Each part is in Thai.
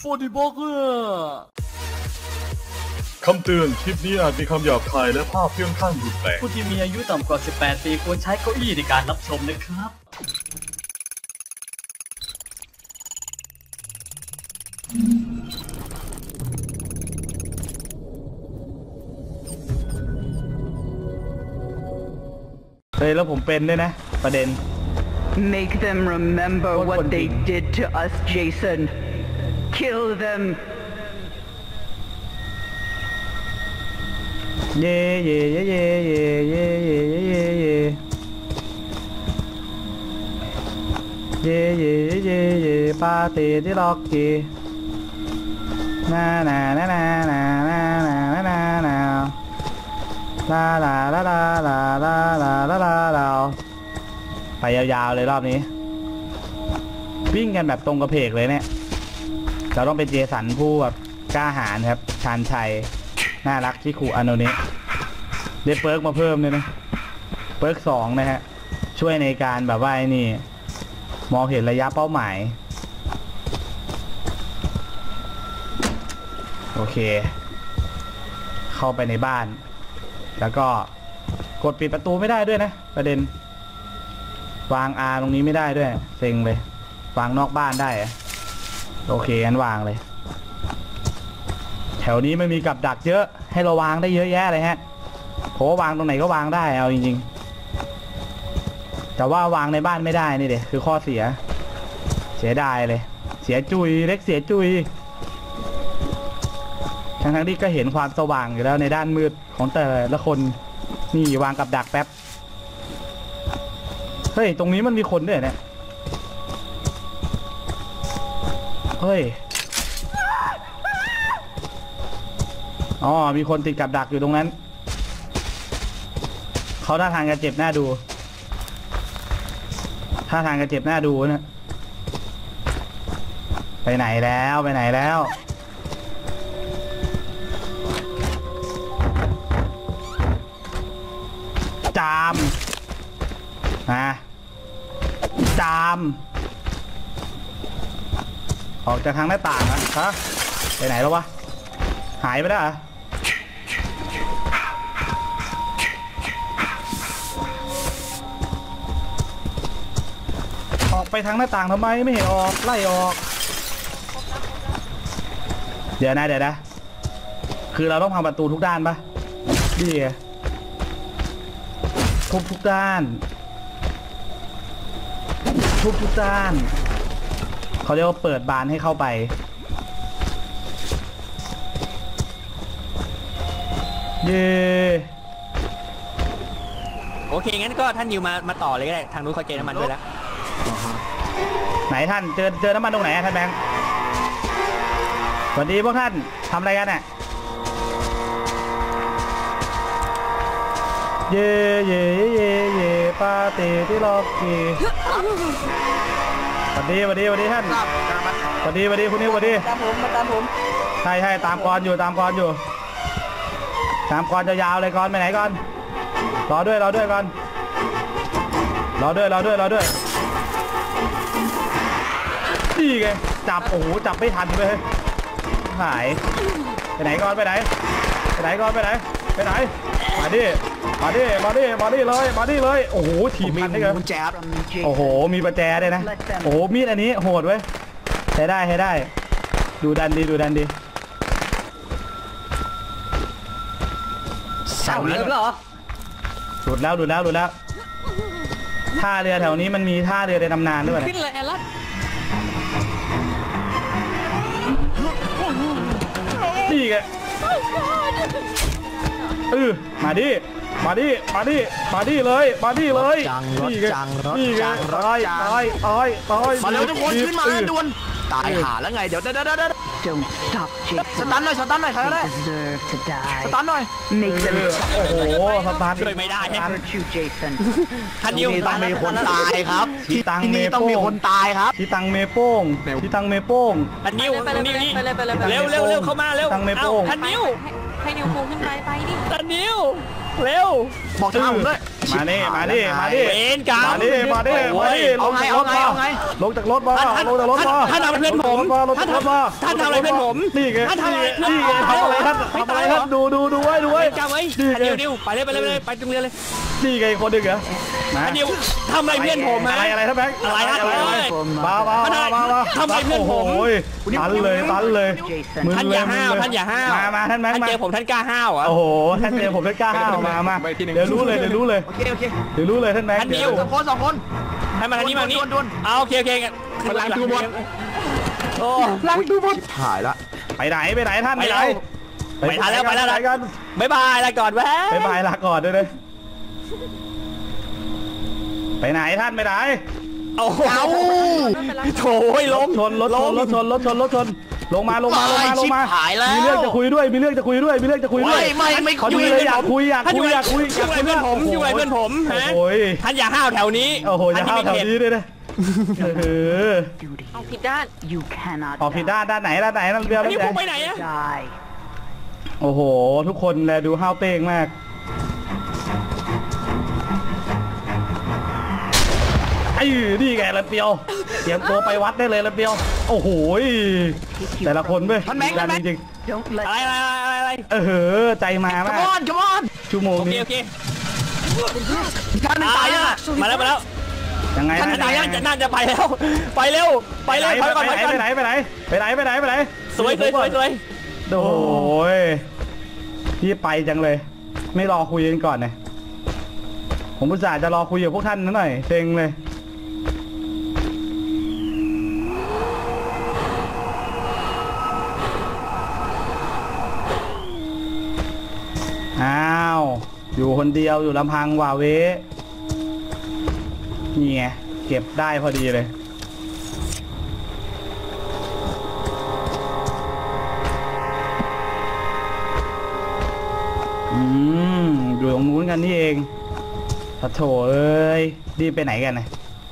40 บล็อกคำเตือนคลิปนี้อาจมีคำหยาบคายและภาพที่ค่อนข้างรุนแรงผู้ที่มีอายุต่ำกว่า 18 ปีควรใช้เก้าอี้ในการรับชมนะครับเฮ้ยแล้วผมเป็นด้วยนะประเด็น Make them remember what they did to us, Jason. Kill them. เย่เย่เย่เย่เย่เย่เย่เย่เย่เย่เย่เย่เย่ปาเต้ที่ล็อกกี้นานานานานานานานานาลาลาลาลาลาลาลาลาลาลาไปยาวๆเลยรอบนี้วิ่งกันแบบตรงกระเพกเลยเนี่ยเราต้องเป็นเจสันผู้แบบกล้าหาญครับชาญชัยน่ารักที่ขู่อโนเนะได้เปิร์กมาเพิ่มเลยนะเปิร์ก2นะฮะช่วยในการแบบว่าไอ้นี่มองเห็นระยะเป้าหมายโอเคเข้าไปในบ้านแล้วก็กดปิดประตูไม่ได้ด้วยนะประเด็นวางตรงนี้ไม่ได้ด้วยเซ็งเลยวางนอกบ้านได้โอเคงั้นวางเลยแถวนี้ไม่มีกับดักเยอะให้เราวางได้เยอะแยะเลยฮะเพราะว่าวางตรงไหนก็วางได้เอาจริงๆแต่ว่าวางในบ้านไม่ได้นี่เด็คือข้อเสียดายเลยเสียจุยเล็กเสียจุยทั้งที่ก็เห็นความสว่างอยู่แล้วในด้านมืดของแต่ละคนนี่วางกับดักแป๊บเฮ้ยตรงนี้มันมีคนด้วยเนี่ยเฮ้ยอ๋อมีคนติดกับดักอยู่ตรงนั้นเขาท่าทางจะเจ็บหน้าดูท่าทางจะเจ็บหน้าดูนะไปไหนแล้วไปไหนแล้วจามจามออกจากทางหน้าต่างนะฮะไปไหนแล้ววะหายไปแล้วเหรอออกไปทางหน้าต่างทำไมไม่เห็นออกไล่ออกเดี๋ยวนะคือเราต้องพังประตูทุกด้านปะดีทุกด้านทุกด้านเขาเรียกว่าเปิดบานให้เข้าไปเย่โอเคงั้นก็ท่านนิวมาต่อเลยก็ได้ทางนู้นเขาเจอน้ำมันด้วยแล้วไหนท่านเจอน้ำมันตรงไหนท่านแบงค์สวัสดีพวกท่านทำอะไรกันเนี่ยเย่เย่เย่เย่ปาเต้ที่ล็อกกี้สวัสดีท่านสวัสดีคุณนิวสวัสดีตามผมใช่ตามกรอยู่ตามกรจะยาวเลยกรไปไหนก่อนรอด้วยก่อนรอด้วยนี่ไงจับโอ้โหจับไม่ทันเลยหายไปไหนก่อนไปไหนมาดิเลยโอ้โหถีบมันได้กันโอ้โหมีประแจด้วยนะโอ้โหมีดอันนี้โหดเว้ยใช้ได้ดูดันดีเสาเลิกเหรอหลุดแล้วท่าเรือแถวนี้มันมีท่าเรือในตำนานด้วยขึ้นเลยแอลลัสนี่ไงมาดิเลยนี่ไงตายมาเร็วทุกคนขึ้นมาด่วนตายหาแล้วไงเดี๋ยว Don't stop, Jason. สตันหน่อยใครก็ได้ Deserve to die. สตันหน่อย Make them โอ้โหสตันช่วยไม่ได้ hurt you, Jason. ท่านนิวต้องมีคนตายครับที่นี่ต้องมีคนตายครับที่ตังเมโป้งท่านนิวนี่เร็วเข้ามาเร็วท่านนิวให้นิวคูขึ้นไปดิท่านนิวเร็วบอกทางผมด้วยมาดิมาดิมาดิเอ็นกามาดิมาดิมาดิเอาไงลงจากรถมาลงจากรถมาท่านทำอะไรเพื่อนผมลงจากรถมาท่านทำอะไรเพื่อนผมนี่ไงท่านทำอะไรนี่ไงทำอะไรท่านทำอะไรท่านดูไว้ดูไว้จำไว้ดิวไปเลยไปตรงเรียนเลยนี่ไงคนหนึ่งเหรอมาดิวทำอะไรเพื่อนผมฮะอะไรท่านแบงค์มาทำอะไรเพื่อนผมโอ้ยตันเลย Jason. ท่านอย่าห้าวท่านอย่าห้าวมาท่านแบงค์ท่านมาเจอผมท่านกล้าห้าวอ่ะโอ้โหท่านเจอผมท่านกล้าห้าวมาเดี๋ยวรู้เลยโอเคเดี๋ยวรู้เลยท่านแบงค์ท่านดิวสองคนให้มาทางนี้มานี้โอเคมันล้างตัวหมดโอ้ล้างตัวหมดหายละไปไหนท่านไปไหนไปทันแล้วกันบ๊ายบายลาก่อนแวะบ๊ายบายลาก่อนด้วยเลยไปไหนท่านไปไหนโอ้โหโถ่ล้มชนรถชนลงมามีเรื่องจะคุยด้วยไม่ขอดูเลยอยากคุยเพื่อนผมอยู่ไหนเพื่อนผมฮะท่านอย่าห้าวแถวนี้โอ้โหอย่าห้าวแถวนี้ด้วยนะเอาผิดด้าน You cannot ออกผิดด้านไหนนั่นเรือนี่พวกไปไหนอะ die. โอ้โหทุกคนแลดูห้าวเป้งมากไอ้นี่ไงระเปียวเตรียมตัวไปวัดได้เลยระเปียวโอ้โหแต่ละคนเว้ยจริง Don't let อะไรใจมามาก come on ชั่วโมงนี้โอเคท่านตายยังมาแล้วยังไงท่านตายยังน่าจะไปแล้วไปเร็วไปไหนสวยโอ้ยพี่ไปจังเลยไม่รอคุยกันก่อนนะผมอุตส่าห์จะรอคุยกับพวกท่านหน่อยเซ็งเลยอ้าวอยู่คนเดียวอยู่ลำพังว่าเวนี่ไงเก็บได้พอดีเลยอยู่ตรงนู้นกันนี่เองปะโถเอ้ยรีบไปไหนกันนะ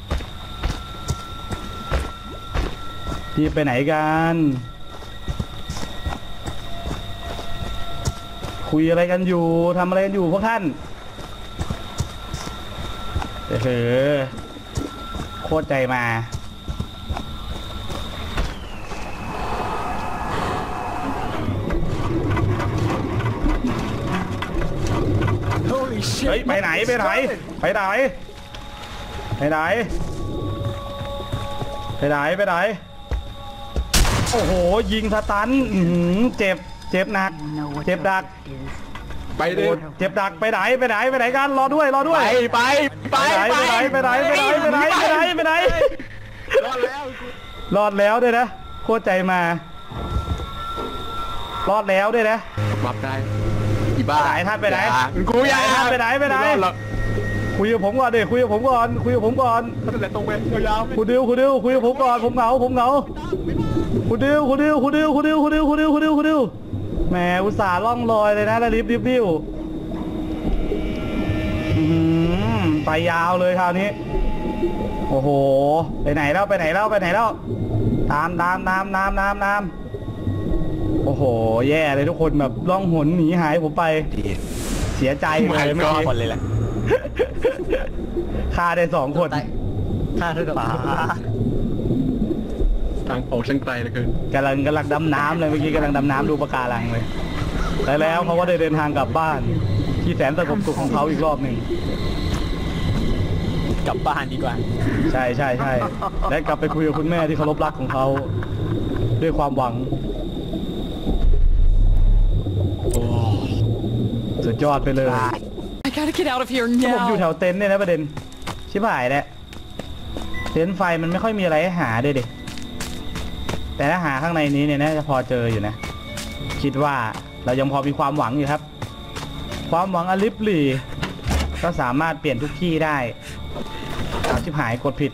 รีบไปไหนกันคุยอะไรกันอยู่ทำอะไรกันอยู่พวกท่านโคตรใจมาเฮ้ยไปไหนโอ้โหยิงสตันเจ็บหนักเจ็บดักไปดิเจ็บดักไปไหนกันรอด้วยไปไหนรอดแล้วด้วยนะโคตรใจมารอดแล้วด้วยนะบับได้อีบ้าท่านไปไหนกูอยากท่านไปไหนคุยกับผมก่อนดิคุยกับผมก่อนนั่นแหละตรงไปยาวๆคุณดิวคุยกับผมก่อนผมเหงาคุณดิวแหมอุตส่าห์ล่องลอยเลยนะแล้วริบดิ้วไปยาวเลยคราวนี้โอ้โหไปไหนแล้วตามโอ้โหแย่เลยทุกคนแบบล่องหนหนีหายผมไปเสียใจเลยไม่มีคนเลยแหละฆ่าได้2 คนฆ่าเท่ากับทางออกช่างไกลเหลือเกินกำลังดำน้ำเลยเมื่อกี้กำลังดำน้ำดูปะการังเลยแล้วเขาก็ได้เดินทางกลับบ้านที่แสนสงบสุขของเขาอีกรอบหนึ่งกลับบ้านดีกว่าใช่และกลับไปคุยกับคุณแม่ที่เคารพรักของเขาด้วยความหวังสุดยอดไปเลย I gotta get out of here ผม now อยู่แถวเต็นท์เนี่ยนะประเด็นชิบหายแล้วเต็นท์ไฟมันไม่ค่อยมีอะไรให้หาด้วยดิแต่ถ้าหาข้างในนี้เนี่ยน่าจะพอเจออยู่นะคิดว่าเรายังพอมีความหวังอยู่ครับความหวังอลิฟลี่ก็สามารถเปลี่ยนทุกที่ได้ชิบหายกดผิด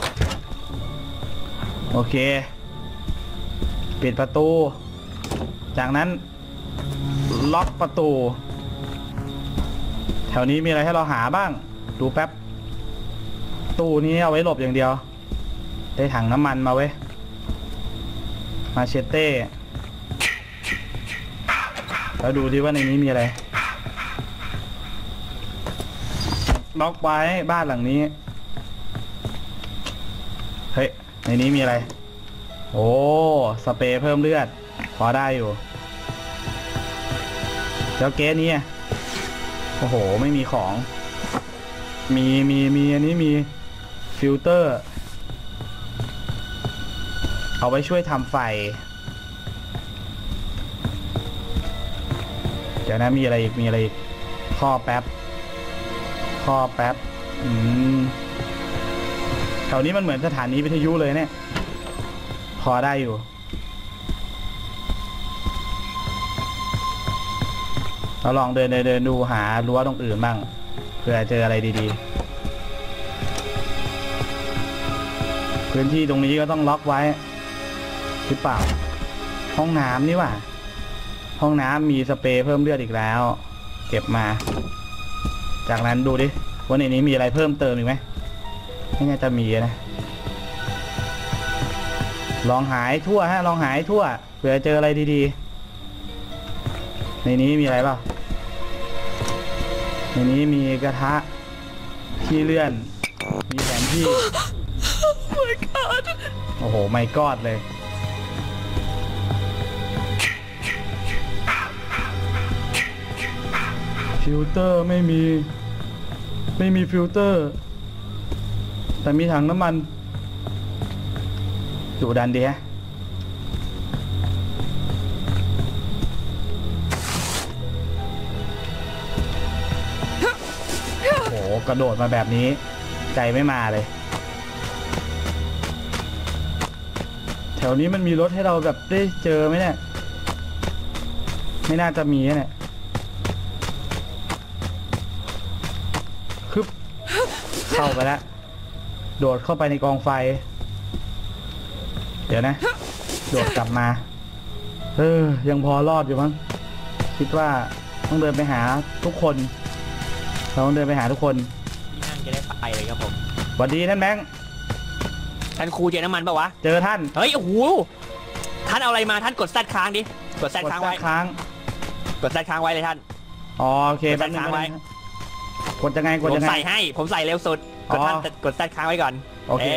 โอเคปิดประตูจากนั้นล็อกประตูแถวนี้มีอะไรให้เราหาบ้างดูแป๊บตู้นี้เอาไว้หลบอย่างเดียวได้ถังน้ำมันมาเว้ยมาเชเต้แล้วดูดิว่าในนี้มีอะไรล็อกไว้บ้านหลังนี้เฮ้ยในนี้มีอะไรโอ้สเปรย์เพิ่มเลือดพอได้อยู่แล้วเกสนี้โอ้โหไม่มีของมีอันนี้มีฟิลเตอร์เอาไว้ช่วยทำไฟเดี๋ยวนะมีอะไรอีกข้อแป๊บแถวนี้มันเหมือนสถานีวิทยุเลยเนี่ยพอได้อยู่เราลองเดินดูหารั้วตรงอื่นบ้างเผื่อเจออะไรดีๆพื้นที่ตรงนี้ก็ต้องล็อกไว้หรือเปล่าห้องน้ำนี่ว่ะห้องน้ำมีสเปรย์เพิ่มเลือดอีกแล้วเก็บมาจากนั้นดูดิว่าในนี้มีอะไรเพิ่มเติมอีกไหมไม่น่าจะมีนะลองหายทั่วลองหายทั่วเผื่อเจออะไรดีๆในนี้มีอะไรเปล่าในนี้มีกระทะที่เลื่อนมีแผนที่ my god โอ้โหไม่กอดเลยฟิลเตอร์ไม่มีฟิลเตอร์แต่มีถังน้ำมันดูดันดีฮะโอ้โหกระโดดมาแบบนี้ใจไม่มาเลยแถวนี้มันมีรถให้เราแบบได้เจอไหมเนี่ยไม่น่าจะมีเนี่ยคึบเข้าไปแล้วโดดเข้าไปในกองไฟเดี๋ยวนะโดดกลับมายังพอรอดอยู่มั้งคิดว่าต้องเดินไปหาทุกคนเราต้องเดินไปหาทุกคนที่นั่งจะได้ไปเลยครับผมสวัสดีท่านแบงค์ท่านครูเจอน้ำมันปะวะเจอท่านเฮ้ยโอ้โหท่านเอาอะไรมาท่านกดแซดค้างดิกดแซดค้างไว้กดแซดค้างไว้เลยท่านโอเคแป๊บนึงไว้กดยังไงผมใส่ให้ผมใส่เร็วสุดกดท่านกดแซดค้างไว้ก่อนโอเค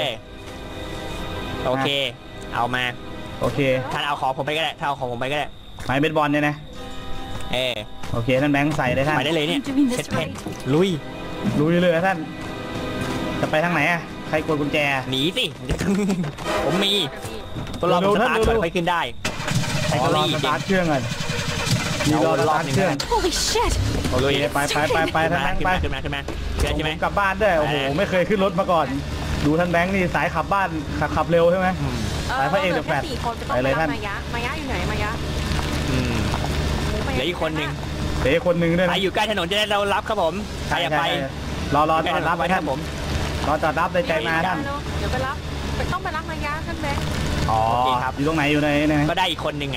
เอามาโอเคท่านเอาของผมไปก็ได้ท่านเอาของผมไปก็ได้ไม้เบสบอลเนี่ยนะโอเคท่านแบงค์ใส่ได้ท่านไปได้เลยเนี่ยเพชรลุยเลยท่านจะไปทางไหนใครกดกุญแจหนีสิผมมีตัวเราสตาร์ทก่อนไปขึ้นได้ใช้ตัวสตาร์ทเครื่องกันมีรอสตาร์ทเครื่อง Holy shit โอเคไปท่านแบงค์ไปขึ้นมาใช่ไหมกลับบ้านได้โอ้โหไม่เคยขึ้นรถมาก่อนดูท่านแบงค์นี่สายขับบ้านขับเร็วใช่ไหมสายพระเอกเดอะแฟลชไปเลยท่านมายะอยู่ไหนมายะเหลืออีกคนหนึ่งด้วยใครอยู่ใกล้ถนนจะได้เรารับครับผมใครอยากไปรอจอดรับไว้ท่านผมรอจอดรับในใจมาท่านเดี๋ยวไปรับต้องไปรับมายะท่านแบงค์ครับอยู่ตรงไหนอยู่ในก็ได้อีกคนหนึ่ง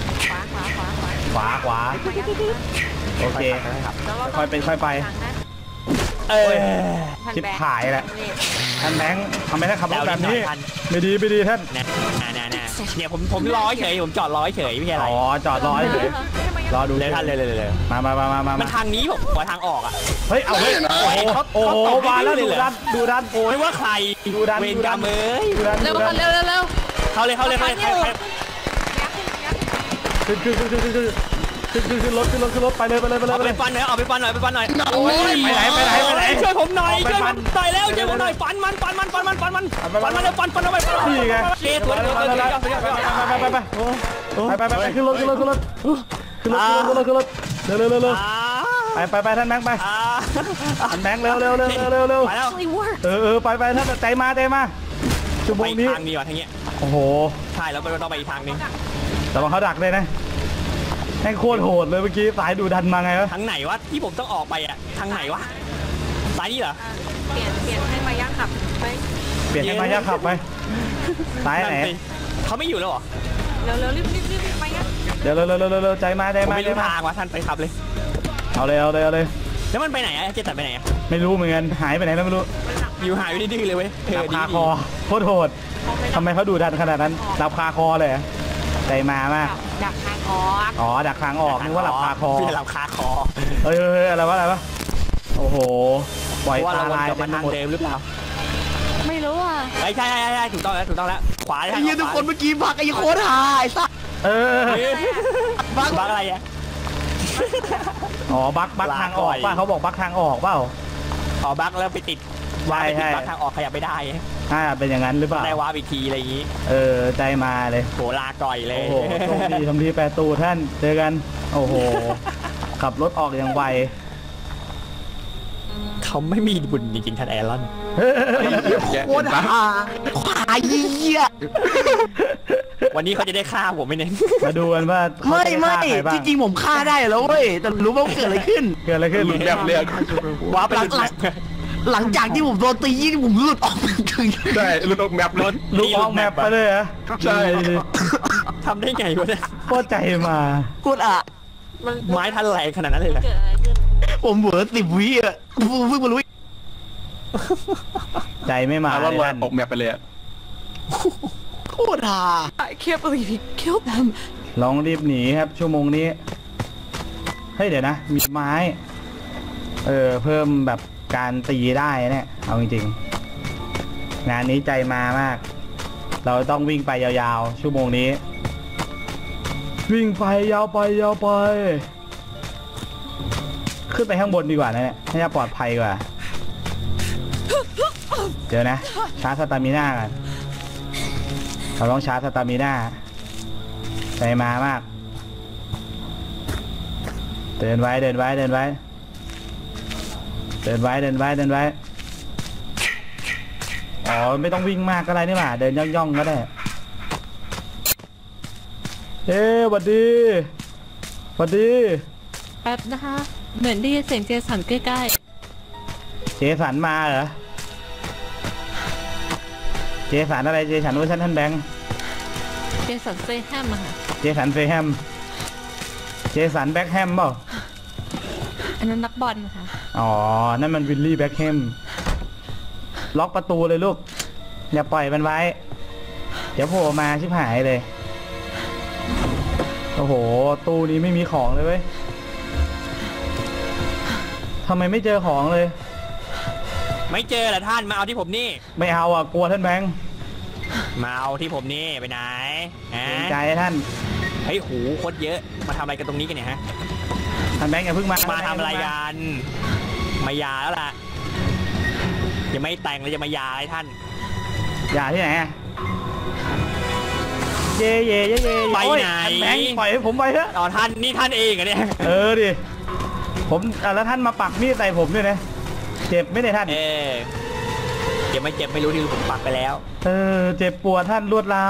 ขวาโอเคค่อยเป็นค่อยไปชิบหายแหละท่านแบงค์ทำไมท่านขับรถแบบนี้ไม่ดีท่านเนี่ยผมรอเฉยผมจอดรอเฉยไม่ใช่อะไรจอดรอเฉยรอดูเลยท่านเลยมามันทางนี้ผมว่าทางออกเฮ้ยเอาเฮ้ยโอ้โหมาแล้วดูดันโอ้ยว่าใครเวรกรรมเร็วเข้าเลยขึ้นรถไปเลยไปฟันหน่อยไปฟันหน่อยโอ้ยไปไหนช่วยผมหน่อยช่วยผมหน่อยแล้วช่วยผมหน่อยฟันมันเอาไปฟันนี่ไงสวยไปขึ้นรถเร็วไปท่านแบงค์ไปท่านแบงค์เร็วไปท่านใจมาชั่วโมงนี้ทางนี้ว่ะทางนี้โอ้โหใช่แล้วต้องไปอีกทางนึงแต่ว่าเขาดักเลยนะแม่งโคตรโหดเลยเมื่อกี้สายดูดันมาไงวะทางไหนวะที่ผมต้องออกไปอ่ะทางไหนวะสายนี้เหรอเปลี่ยนให้มายะขับไปเปลี่ยนให้มายะขับไปสายไหนเขาไม่อยู่แล้วหรอเร็วรีบมายะเดี๋ยวใจมาไม่รู้ทางวะท่านไปขับเลยเอาเลยแล้วมันไปไหนอะเจตัดไปไหนอะไม่รู้เหมือนกันหายไปไหนแล้วไม่รู้อยู่หายไปดื้อเลยเว้ยดับคาคอโคตรโหดทำไมเขาดูดันขนาดนั้นดับคาคอเลยใจมามากดักทางออกดักทางออกนึกว่าหลับคาคอพี่หลับคาคออะไรวะโอ้โหปล่อยว่าตาเราวนลายกลับมาทางเดิมหรือเปล่าไม่รู้อ่ะใช่ถูกต้องแล้วขวาไอ้เหี้ยทุกคนเมื่อกี้พักไอ้โคตรหาไอ้สัสบักอะไรอ่ะอ๋อบักทางออกป่ะเขาบอกบักทางออกเปล่าอ๋อบักแล้วไปติดใช่บักทางออกขยับไม่ได้เป็นอย่างนั้นหรือเปล่าได้วาร์ปอีกทีอะไรอย่างงี้ใจมาเลยโหลาก่อยเลยโอ้โหโชคดีทำดีแปรตูท่านเจอกันโอ้โหขับรถออกอย่างไวเขาไม่มีบุญจริงๆท่านแอรอนโคตรหาควายเหี้ยวันนี้เขาจะได้ฆ่าผมไหมเนี่ยมาดูกันว่าเขาจะฆ่าใครบ้างจริงๆผมฆ่าได้แล้วเว้ยแต่รู้ว่าเกิดอะไรขึ้นเกิดอะไรขึ้นแบบเรียกวาร์ปไปหลังจากที่ผมโดนตียี่ผมหลุดออกมาถึงใช่ลุกแมปรถลูกออกแมปไปเลยเหรอใช่ทำได้ไงวะเนี่ยโคตรใจมาโคตรอ่ะมันไม้ทันแรงขนาดนั้นเลยเหรอเกิดอะไรขึ้นผมเหวอ10 วิอ่ะเพิ่งมารู้ใจไม่มาว่าเลยว่าท่านออกแมปไปเลยโคตรหา I can't believe he killed them ลองรีบหนีครับชั่วโมงนี้เฮ้ยเดี๋ยวนะมีไม้เพิ่มแบบการตีได้เนี่ยเอาจริงๆงานนี้ใจมามากเราต้องวิ่งไปยาวๆชั่วโมงนี้วิ่งไปยาวไปขึ้นไปข้างบนดีกว่านะเนี่ยน่าจะปลอดภัยกว่าเดี๋ยวนะชาร์จสตามิน่ากันเราต้องชาร์จสตามิน่าใจมามากเดินไว้อ๋อไม่ต้องวิ่งมากก็ได้นี่หว่าเดินย่องก็ได้หวัดดีแป๊บนะคะ เหมือนได้ยินเสียงเจสันใกล้เจสันมาเหรอเจสันอะไรเจสันเวอร์ชันท่านแบงค์ๆเจสันเซแฮมอะค่ะเจสันเฟแฮมเจสันแบ็คแฮมเปล่าอันนั้นนักบอลนะคะอ๋อนั่นมันวิลลี่แบ็คแฮมล็อกประตูเลยลูกอย่าปล่อยมันไว้เดี๋ยวโผล่มาชิบหายเลยโอ้โหตู้นี้ไม่มีของเลยเว้ยทำไมไม่เจอของเลยไม่เจอเหรอท่านมาเอาที่ผมนี่ไม่เอาอ่ะกลัวท่านแบงค์มาเอาที่ผมนี่ไปไหนเกรงใจท่านเฮ้ยหูโคตรเยอะมาทำอะไรกันตรงนี้กันเนี่ยฮะท่านแบงค์อย่าเพิ่งมามาทำอะไรกันมายาแล้วล่ะยังไม่แต่งเลยจะมายาไอ้ท่านอย่าที่ไหนอะเย่ไปโอ้ยไหนท่านแบงค์ปล่อยให้ผมไปเถอะอ๋อท่านนี่ท่านเองเหรอเนี่ยดิผมแล้วท่านมาปักมีดใส่ผมด้วยนะเจ็บไม่ได้ท่านเจ็บไม่รู้ที่ผมปักไปแล้วเจ็บปวดท่านรวดร้าว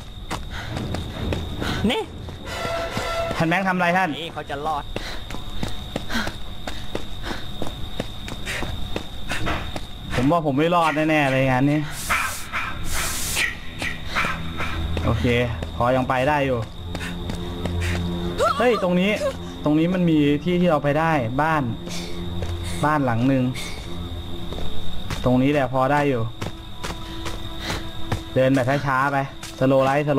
นี่ท่านแบงค์ทำอะไรท่านนี่เขาจะรอดผมว่าผมไม่รอดแน่ๆเลยงานนี้โอเคพอยังไปได้อยู่เฮ้ยตรงนี้มันมีที่เราไปได้บ้านหลังหนึ่งตรงนี้แหละพอได้อยู่เดินแบบช้าๆไปสโลไลท์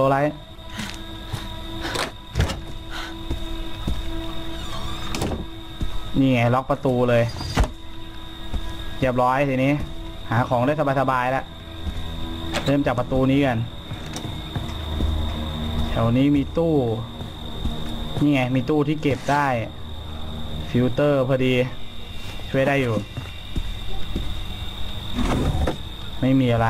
นี่ไงล็อกประตูเลยเรียบร้อยทีนี้หาของได้สบายๆแล้วเริ่มจากประตูนี้กันแถวนี้มีตู้นี่ไงมีตู้ที่เก็บได้ฟิลเตอร์พอดีช่วยได้อยู่ไม่มีอะไร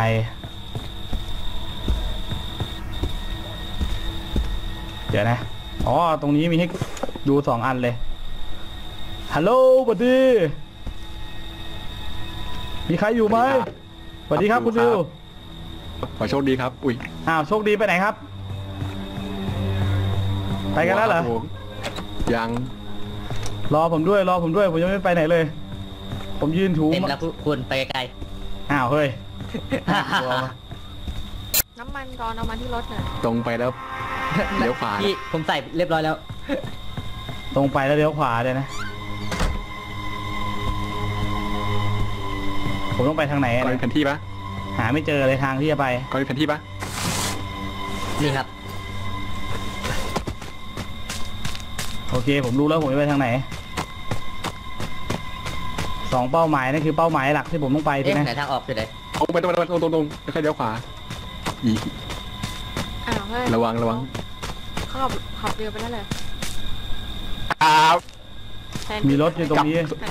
เดี๋ยวนะอ๋อตรงนี้มีให้ดู2 อันเลยฮัลโหลสวัสดีมีใครอยู่ไหมสวัสดีครับคุณดิวขอโชคดีครับอุ้ยอ้าวโชคดีไปไหนครับไปกันแล้วเหรอยังรอผมด้วยผมยังไม่ไปไหนเลยผมยืนถูเต็มแล้วคุณไปไกลอ้าวเฮ้ยน้ำมันก่อนเอามาที่รถหน่อยตรงไปแล้วเลี้ยวขวาพี่ผมใส่เรียบร้อยแล้วตรงไปแล้วเลี้ยวขวาเลยนะผมต้องไปทางไหนก็มีแผนที่ปะหาไม่เจอเลยทางที่จะไปก็มีแผนที่ปะนี่ครับโอเคผมรู้แล้วผมจะไปทางไหน 2เป้าหมายนั่นคือเป้าหมายหลักที่ผมต้องไปใช่ไหมไหนทางออกอยู่ไหนตรงไปตรงแล้วค่อยเลี้ยวขวาอีอ้าวเฮ้ยระวังเขาขับเรือไปนั่นเลย แทนมีรถอยู่ตรงนี้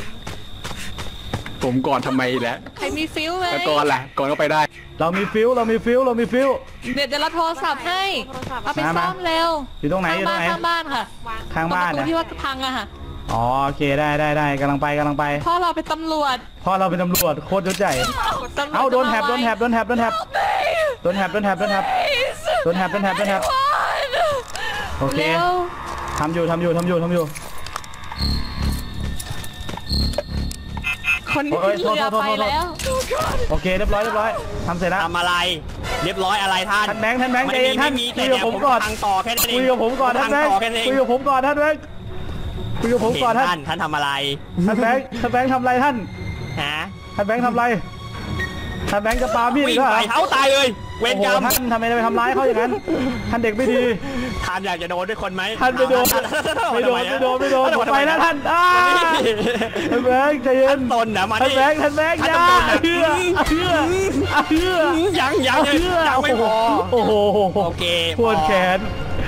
ผมก่อนทำไมแล้วใครมีฟิวไหมแล้วก่อนล่ะก่อนก็ไปได้เรามีฟิวเดี๋ยวเราโทรศัพท์ให้โทรศัพท์เอาไปซ่อมเร็วอยู่ตรงไหนอยู่ตรงไหนข้างบ้านค่ะวางข้างบ้านตรงประตูนะที่ว่าพังอะค่ะอ๋อโอเคได้กำลังไปพ่อเราเป็นตำรวจพ่อเราเป็นตำรวจโคตรยศใหญ่ตำรวจเอ้าโดนแฮบจะมาไว้ทโอเคเร็วทำอยู่คนนี้โอ้ยเรือโทษไปแล้วโอเคเรียบร้อยทำเสร็จแล้วทำอะไรเรียบร้อยอะไรท่านท่านแบงค์ใจไม่เย็นท่านมีคุแต่ยเดี๋กับยวผผม มก่อนทางต่อแค่นั้นเองคุยกับผมก่อนท่านแบงค์แค่นั้นเองคุยกับผมก่อนท่านแบงค์คุยกับผมก่อนท่านท่านทำอะไรท่านแบงค์ทำอะไรท่านฮะท่านแบงค์ทำอะไรท่านแบงค์จะปามีดวิ่งเหรอไปเท้าตายเลยเวรโอ้โหกรรมท่านทำไมไปทำร้ายเขาอย่างนั้นท่านเด็กไม่ดีท่านอยากจะโดนด้วยคนไหมท่านไม่โดนไม่โดนผมไปแล้วท่านท่านแบงค์ใจเย็นตนนะมาท่านดิแบงค์อย่าเชื่อยังไม่พอโอ้โหโอเคปวดแขน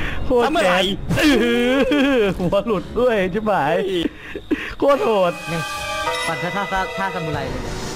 หัวหลุดด้วยใช่ไหมโคตรโหดปั่นท่าซามูไรเลย